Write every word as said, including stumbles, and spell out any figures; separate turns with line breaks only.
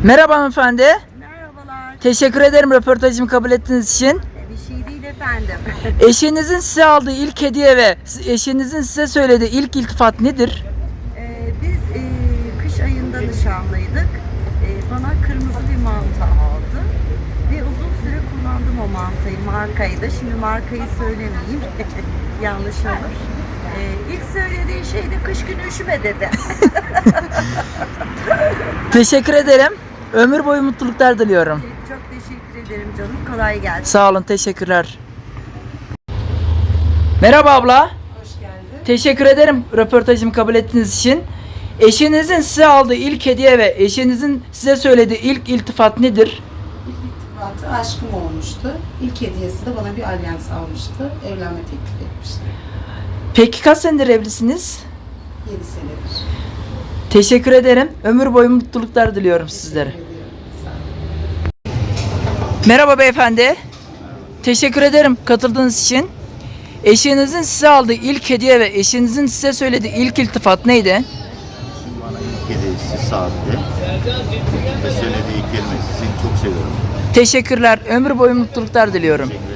Merhaba hanımefendi.
Merhabalar.
Teşekkür ederim röportajımı kabul ettiğiniz için.
Bir şey değil efendim.
Eşinizin size aldığı ilk hediye ve eşinizin size söylediği ilk iltifat nedir?
Ee, biz e, kış ayında nişanlıydık. Ee, bana kırmızı bir manta aldı. Ve uzun süre kullandım o mantayı, markayı da. Şimdi markayı söylemeyeyim. Yanlış olur. Ee, ilk söylediği şey de kış günü üşüme dedi.
Teşekkür ederim. Ömür boyu mutluluklar diliyorum.
Çok teşekkür ederim canım. Kolay gelsin.
Sağ olun, teşekkürler. Merhaba abla.
Hoş geldin.
Teşekkür ederim röportajımı kabul ettiğiniz için. Eşinizin size aldığı ilk hediye ve eşinizin size söylediği ilk iltifat nedir?
İlk irtibatı aşkım olmuştu. İlk hediyesi de bana bir alyans almıştı. Evlenme teklif etmişti.
Peki kaç senedir evlisiniz?
yedi senedir.
Teşekkür ederim. Ömür boyu mutluluklar diliyorum sizlere.
Teşekkür ediyorum. Sağ olun.
Merhaba beyefendi. Teşekkür ederim katıldığınız için. Eşinizin size aldığı ilk hediye ve eşinizin size söylediği ilk iltifat neydi?
Şimdi bana ilk hediyesi saatte ve söylediği kelime seni çok seviyorum.
Teşekkürler. Ömür boyu mutluluklar diliyorum.
Teşekkür